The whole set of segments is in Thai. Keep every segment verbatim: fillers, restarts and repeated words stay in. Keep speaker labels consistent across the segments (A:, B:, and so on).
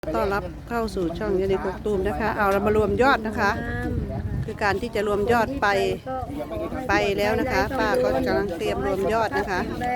A: ต้อนรับเข้าสู่ช่องยานิกกตูมนะคะเอาเรามารวมยอดนะคะ คือการที่จะรวมยอดไปไปแล้วนะคะ ป้าก็กำลังเตรียมรวมยอดนะคะ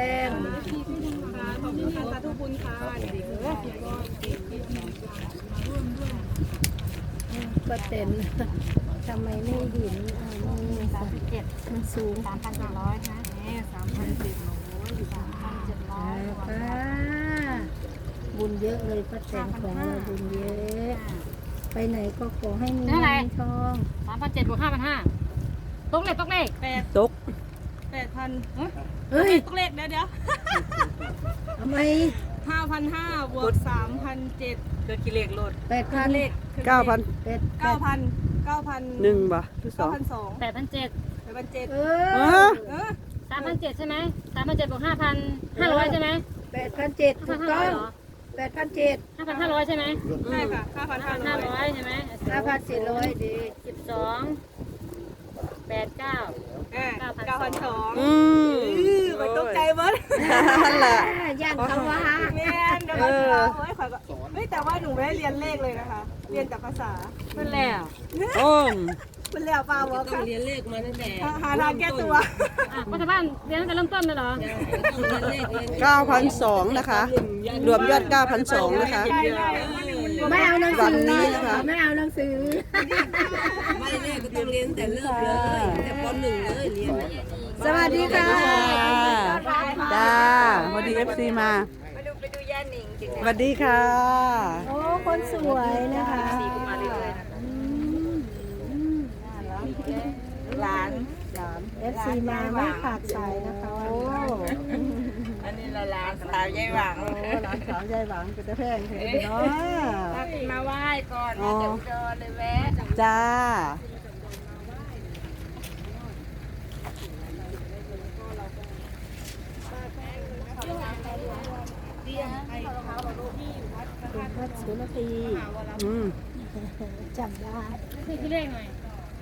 B: ก็เต็มทำไมไม่เห็นอ่านี่สามสิบเจ็ดมันสูง
C: สามพันเจ็ดร้อยนะนี่สามพันเจ็ดร้อยสามพันเจ็ดร้อย
B: ป้าบุญเยอะเลยป้าแตนของเราบุญเยอะ ไปไหนก็ขอให้มีเงินทอง
C: สามพันเจ็ดบวกห้าพันห้าตกเลขตกเลขแปด
A: ตก
D: แปดพัน
B: เฮ้ย
D: ตกเลขเดี๋ยวเดี๋ยว
B: ทำไม
D: ห้าพันห้าบวกสามพันเจ็ดเกิดกี่เลขโหลด
B: แปดพัน
D: เลข
A: เก้าพัน
B: แปด
D: เก้าพันเก้าพัน
A: หนึ่งบ่หรือสอ
D: เก้าง พันสอง
C: แปดพันเจ็ด
D: แปดพันเจ็ด
B: เอ
A: เอ
B: อ
A: อ
D: เออ
C: สามพันเจ็ดใช่ไหมสามพันเจ็ดบวกห้าพันห้าร้อยใช่ไหม
B: แปดพันเจ็ด
C: ห้า
B: ถู
C: พัน
B: ก
C: ห้า
B: ต้
C: ร้
B: อ
C: อย
B: ง
C: เหรอ
B: แปดพันเจ็ด
C: ห้าพันห้าร้อยใช่ไหม
D: ใช่ค่ะห้าพันห้า
C: ห้า
D: ร้อย
C: ร้อยใช่ไหม
B: ห้าพันเจ็ดร้อยดี
C: สิบสองแปดเก้า
D: เก้าพันสอง
A: อืม
D: ไปตกใจเบิ้ล
A: นั่นแหละ
B: อ่าย่านเขาว่า
D: แม่นเดี๋ยวเราจะเอาไว้ขอยก็เฮ้ยแต่ว่าหนูไม่ได้เรียนเลขเลยนะคะ เรียนแต่ภาษา
C: เพิ่นแล้ว
A: โอ้ม
D: เป็นแล้วเปล่าวะค่ะเรียนเลขมาตั้งแต่หาทางแก้ตัว
C: อ่ะปัจจุบันเรียนตั้งแต่เริ่มต้นเลยเหรอ
A: เก้าพันสองนะคะ รวมยอดเก้าพันสองนะคะ
D: ใช่ใช่
B: ไม่เอาหนัง
A: วั
B: สื
A: น
B: อ
A: นี้นะคะ
B: ไม่เอาหนังสือ
E: ไม่แน่ก็ต้องเรียนแต่เริ่มเลยแต่ปหนึ่งเลยเรียน
B: สวัสดีค่ะ
A: จ้าสวัสดีเอฟซีมาสวัสดีค่ะ
B: โอ้คนสวยนะคะ
D: หลาน
B: เอฟซีมาไม่ขาดสายนะคะโอ้
D: อันนี้ละหลานสาวยายหวัง
A: หลานสาวยายหวังเป็นตะแพงเห็นเนาะ
D: มาไหว้ก่อนมาจากอุดรเลยแวะ
A: จ้า
B: คุณพัชสุนทรี
A: อืม
B: จำได้
C: คือที่เลขหน่อย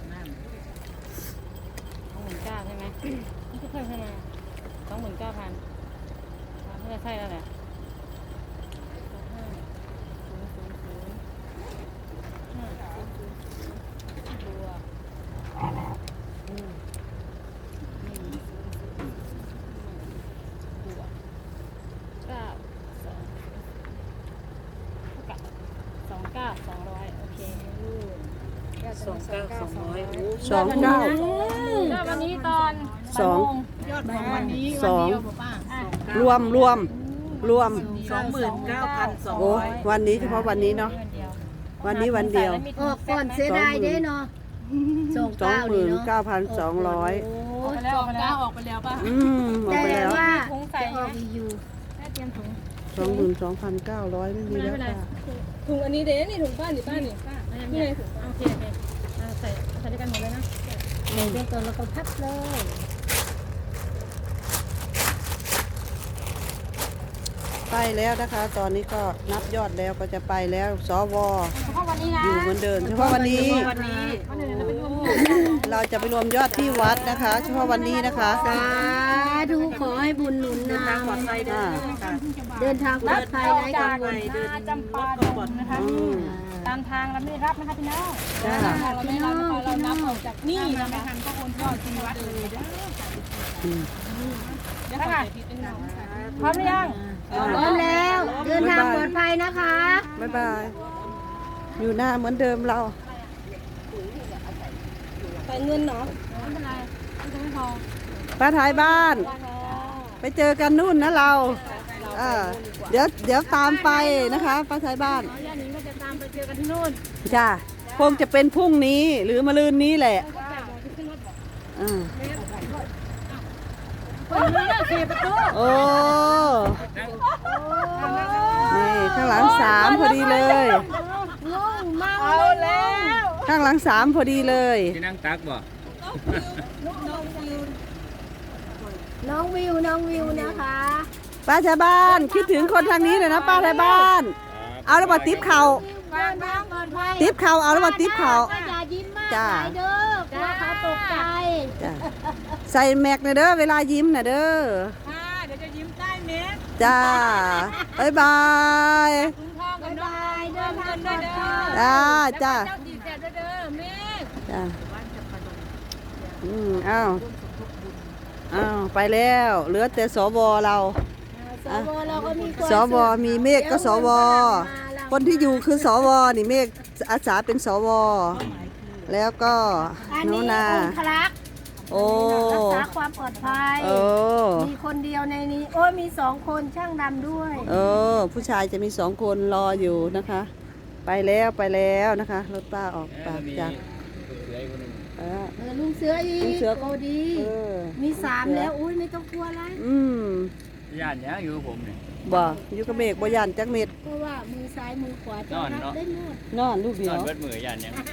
C: สองหมื่นเก้าใช่ไหมนี่คือเพิ่มขึ้นมาสองหมื่นเก้าพันไม่ได้ใช่แล้วแหละห้าศูนย์ศูนย์ศูนย์ห้าศูนย์ศูนย์ศูนย์บวกอืมหนึ่งศูนย์ศูนย์บวกเก้าสองเท่ากับสองเก้าสองร้อยโอเค
E: สองเก้าสองร้อย
A: สองเก้า
C: ก็วันนี้ตอน
A: สอง
D: ยอดของวันนี้
A: สอง
C: อ่ะ
A: รวมรวมรวม
D: สองหมื่นเก้าพันสอง
A: โอ้
D: ร้อย
A: วันนี้เฉพาะวันนี้เนาะ
C: วันเดียว
A: วันนี้วันเดียว
B: ออกก่อนเสียดายเด้เนาะสอง
A: สอง
B: เก้า
A: ห
B: นี่
A: มื่น
B: เนาะ
A: เก้าพันสองร้อย
B: โอ้
D: สองเก้าออกไปแล้วป่ะ
A: อืมออก
B: แต่
A: ไปแล้ว
B: ว่า
C: ถุงใส่
B: จะออกอยู่
C: แค่เตรียมถุง
A: สองหมื่นสองพันเก้าร้อยไม่มี
C: ไม่
A: แล้ว
C: เป็นไร
A: ค่ะ
D: ถุงอันนี้เด้นี่ถุงป้านี่ป้านี่
C: นี่ไงถุงโอเคโอเคอ่ะใส่ใส่ด้วยกันหมดเลยนะ
B: เดี๋ยวเดี๋ยวก่อนเราก็พับเลย
A: ไปแล้วนะคะ ตอนนี้ก็นับยอดแล้วก็จะไปแล้วสว
C: เฉพาะวันนี้นะ
A: อยู่เหมือนเดิมเฉพาะวันนี้
D: วันนี้
C: วันอื่นเราไปรวม
A: เราจะไปรวมยอดที่วัดนะคะ เฉพาะวันนี้นะคะ
B: สาธุขอให้บุญหนุนนำ
A: อ่า
B: เดินทางปลอดภัยไร้กังวล
C: นาจำปาดงนะคะ
A: อืม
C: ตามทางเราไม่ได้รับนะคะพี่น้อง
A: จ้า
D: เราไม่รับนะคะเรานับออกจากนี่นะไม่ทันก็โอนยอดที่วัดเลยเด้อ
A: อืม
D: เดี๋ยวขอผิดเป็นหนึ่ง
C: พร้อมหรือยัง
B: พร้อมแล้ว เดินทางปลอดภัยนะคะ
A: บ๊ายบาย อยู่หน้าเหมือนเดิมเรา
D: ใส่เงินเนาะ
C: ไม่เป็นไรไม่ต้องไม่พอ
A: ป้าท้ายบ้าน ไปเจอกันนู่นนะเราเออเดี๋ยวเดี๋ยวตามไปนะคะป้าท้ายบ้าน
C: น้องย่านิงก็จะตามไปเจอกันที่นู่น
A: จ้าคงจะเป็นพรุ่งนี้หรือมะรืนนี้แหละ
C: ก็แปดโมงที่ขึ้นรถบอก
A: อ่า
C: คนนี้ก็สี่ประตู
A: โอ้นี่ข้างหลังสามพอดีเลย
B: งงมาก
D: เอาแล้ว
A: ข้างหลังสามพอดีเลย
F: ที่นั่งตักบ่
B: น้องวิวน้องวิวนะคะ
A: ป้าท้ายบ้านคิดถึงคนทางนี้เลยนะป้าท้ายบ้าน เอาแล้วมาติ๊บเข่า
B: เดินทางปลอดภัย
A: ติ๊บเข่าเอาแล้วมาติ๊บเข่า
B: ก็อย่ายิ้มมาก
A: จ้า
B: หลายเด้อกลัวเขาตกใจ
A: จ้าใส่แม็กนะเด้อเวลายิ้มนะเด้อ
D: ค่ะเดี๋ยวจะยิ้มใต้เม็ด
A: จ้าบ๊ายบาย
D: ถุงทองกับ
B: บ๊าย
D: น้อง
B: บายเดินท
C: กันด้วยเด้อ
A: จ้าจ้า
C: เจ้าดีแซ่บด้วยเด้อแม่
A: จ้าอืมอ้าวอ้าวไปแล้วเหลือแต่สวเรา
B: สวเราก็มีความ
A: สวมีเมฆก็สวคนที่อยู่คือสวนี่เมฆอาสาเป็นสวแล้วก็
B: อัน
A: หนู
B: นี้
A: นา
B: องคลักษ์
A: โอ้
B: รักษาความปลอดภัย
A: เออ
B: มีคนเดียวในนี้ โอ้ยมีสองคนช่างดำด้วย
A: เออ ผู้ชายจะมีสองคนรออยู่นะคะ ไปแล้วไปแล้วนะคะรถป้าออกปากจากเออ
B: เออลุงเสืออี
A: ลุง
B: ก
A: เสือ
B: โอ้ดี
A: เออ
B: มีสามแล้วอุ้ยไม่ต้องกลัวอะไร
A: อืม
F: ย่านเนี้ยอยู่กับผมเนี่ย
A: บ่อยู่กับเมฆบ่ยานจักเม็ด
B: เพราะว่ามือซ้ายมือขวาจะ
F: นอน
B: รับ
F: เนาะ
B: ได้หมด
A: นอนลูกเดี
F: น
A: ย
F: อน
A: ว
F: เบิดมือย่านเนี้ย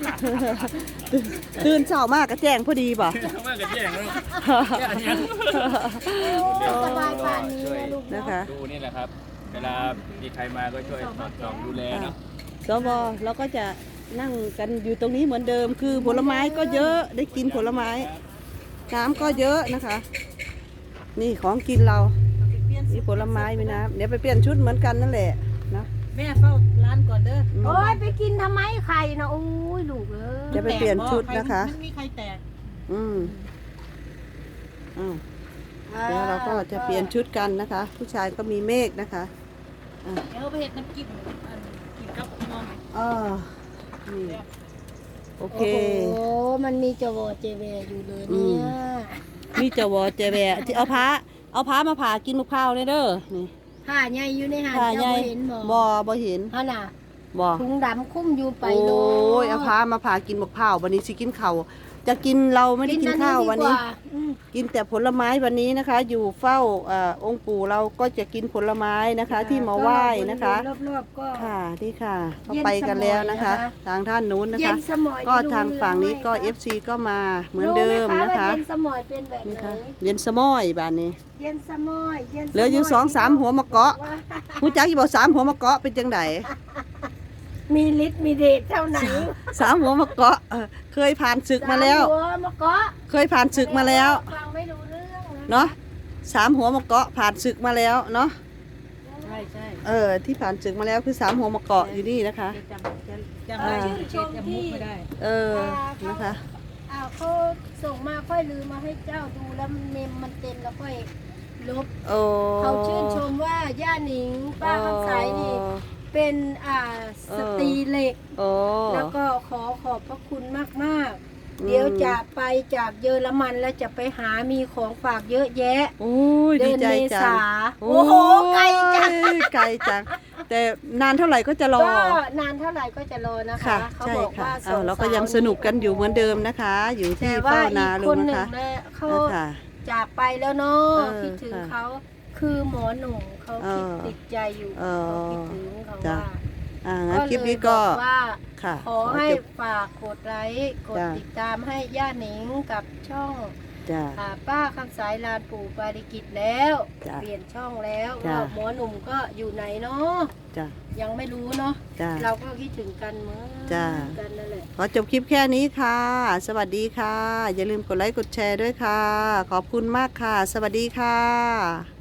A: ตื่นเช้ามากก็แจ้งพอดีป่ะ
F: เมื่อกันแย่งแล้วย่านเนี้ย
B: โอ้สบายป่านนี้นะลูก
A: นะ
B: เนาะ
A: คะ
F: ดูนี่แหละครับ เวลามีใครมาก็ช่วยสอดส่องดูแลเนาะ
A: สวเราก็จะนั่งกันอยู่ตรงนี้เหมือนเดิม คือผลไม้ก็เยอะได้กินผลไม้น้ำก็เยอะนะคะ นี่ของกินเรามีผลไม้มีน้ำเดี๋ยวไปเปลี่ยนชุดเหมือนกันนั่นแหละนะ
D: แม่เฝ้าร้านก่อนเด้อ
B: โอ้ยไปกินทำไมไข่นะโอ้ยลูกเอ้ย
A: จะไปเปลี่ยนชุดนะคะ
D: ไม่มีใครแตก
A: อืมอ้าวเดี๋ยวเราก็จะเปลี่ยนชุดกันนะคะ ผู้ชายก็มีเมฆนะคะอ่ะ
D: เดี๋ยวไปเห็ดน้ำจิ้มอันกินกับนม
A: เออนี่โอเค
B: โอ้โหมันมีจวอเจเวอยู่เลย
A: อื
B: เนี่ย
A: ม มีเจาวอเจแวะที่เอาพ้าเอาพ้ามาผ่ากินมะพร้าวเลยเด้อนี่
B: ผ้าใหญ่อยู่ในหาด
A: ผ่า
B: เจ้า
A: ใหญ่
B: บ่เห็นบ่
A: บ่บ่เห็น
B: ฮะน่ะ
A: บ่
B: ถุงดำคุ้มอยู่ไป
A: โอ้
B: โล
A: ยเอาพ้ามาผ่ากินมะพร้าววันนี้สิกินข้าวจะกินเราไม่ได้กินข้าววันนี้
B: อืม
A: กินแต่ผลไม้วันนี้นะคะ อยู่เฝ้าเอ่อองค์ปู่เราก็จะกินผลไม้นะคะ ที่มาไหว้นะคะ
B: รอบๆก็
A: ค่ะนี่ค่ะเขา
B: เย็น
A: ไปกันแล้วนะคะ
B: สมอยนะคะ
A: ทางท่านนู้นนะ
B: เย็
A: คะ
B: นสมอย
A: ก็ทางฝั่งนี้ก็
B: รู้ไหม
A: เอฟซีก็มาเหมือนเดิม
B: รู้ไห
A: นะคะ
B: ว่าเย็นสมอยเป็นแบบ
A: นี่
B: ไหน
A: ค่ะเย็นสมอยบ้านนี้
B: เย็นสมอยเย็นสม
A: เหลืออยู่สองสามหัวมะเกาะ หูจักอยู่บอกสามหัวมะเกาะเป็นจังได
B: มีฤทธิ์มีเดชเท่าไหน
A: สามหัวมะเกาะเออเคยผ่านศึกมาแล้ว
B: สหัวมะเกาะ
A: เคยผ่านศึกมาแล้ว
B: ฟังไม่รู้เรื่องนะ
A: เนาะสามหัวมะเกาะผ่านศึกมาแล้วเนาะ
D: ใช่ใช่
A: เออที่ผ่านศึกมาแล้วคือสามหัวมะเกาะอยู่นี่นะคะ
D: จำจะจำได้ชื่อเจำมุกไม่ได้
A: เออนะคะ
B: อ้าวเขาส่งมาค่อยลืมมาให้เจ้าดูแล้วเมมมันเต็มแล้วค่อยลบ
A: โอ้
B: เขาชื่นชมว่าย่าหนิงป้าคำใสนี่เป็นอ่าสตรีเหล็ก
A: โอ้
B: แล้วก็ขอขอบพระคุณมาก
A: อืม
B: ๆ เดี๋ยวจะไปจากเยอรมันแล้วจะไปหามีของฝากเยอะแยะ
A: โอ้ย
B: เดื
A: ดี
B: อน
A: ใจ
B: เม
A: จั
B: ษาง โอ้โหไกลจัง
A: โอ้ยไกลจัง แต่นานเท่าไหร่ก็จะรอ
B: ก็นานเท่าไหร่ก็จะรอนะคะ
A: ค่ะ
B: เขา
A: ใช่
B: บอก
A: ค่ะ
B: ว่า
A: เอาเราก็ยังสนุกกันอยู่เหมือนเดิมนะคะ อยู่ที่
B: แต่ว่า
A: เฝ้า
B: อี
A: นาก ลุ
B: คน
A: ง
B: ห
A: นะ
B: นึ่ง
A: คะ
B: นะเขา
A: นะคะ
B: จากไปแล้วเนาะ
A: เออ
B: คิดถึง
A: ค่ะ
B: เขาคือหมอหนุ่มเขา
A: เอ
B: คิด
A: อ
B: ติดใจอยู่
A: เออ
B: เขาคิดถึงเขา
A: จ้ะ
B: ว่า
A: อ่างั้น
B: ก็
A: คลิป
B: เลย
A: นี้
B: บ
A: ก็
B: อกว่า
A: ค่ะ
B: ขอให้
A: จบ
B: ฝากกดไลค์กด
A: จ้ะ
B: ติดตามให้ย่าหนิงกับช่อง
A: จ้า
B: อ่าป้าคำสายลานปู่ปาริกิตแล้ว
A: จ้ะ
B: เปลี่ยนช่องแล้ว
A: จ้ะ
B: ว่าหมอหนุ่มก็อยู่ไหนเนาะ
A: จ้า
B: ยังไม่รู้เนาะ
A: จ้า
B: เราก็คิดถึงกันเหมือน
A: จ้ะ
B: กันนั่นแหละ
A: ขอจบคลิปแค่นี้ค่ะ สวัสดีค่ะ อย่าลืมกดไลค์กดแชร์ด้วยค่ะ ขอบคุณมากค่ะ สวัสดีค่ะ